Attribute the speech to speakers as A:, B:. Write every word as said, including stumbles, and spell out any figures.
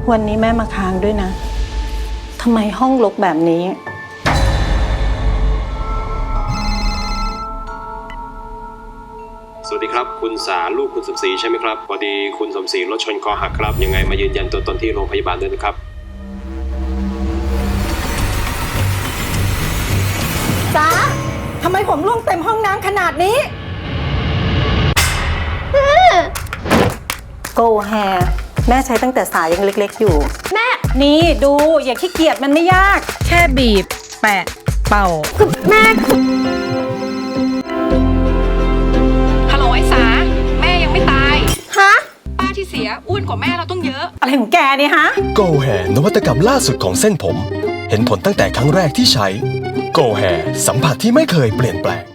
A: วันนี้แม่มาค้างด้วยนะทำไมห้องรกแบบนี้
B: สวัสดีครับคุณสาลูกคุณสมศรีใช่ไหมครับพอดีคุณสมศรีรถชนคอหักครับยังไงมายืนยันตัวตนที่โรงพยาบาลด้วยนะครับ
A: สาทำไมผมร่วงเต็มห้องน้ำขนาดนี้โกแฮแม่ใช้ตั้งแต่สายังเล็กๆอยู่แม่นี่ดูอย่าขี้เกียจมันไม่ยาก
C: แค่บีบแปะเป่า
D: คือแม่
C: ฮัลโหลไอ้สาแม่ยังไม่ตาย
D: ฮะ
C: ป้าที่เสียอ้วนกว่าแม่เราต้องเยอะ
A: อะไรของแกเนี่ยฮะ
E: Go Hair นวัตกรรมล่าสุดของเส้นผมเห็นผลตั้งแต่ครั้งแรกที่ใช้ Go Hair สัมผัสที่ไม่เคยเปลี่ยนแปลง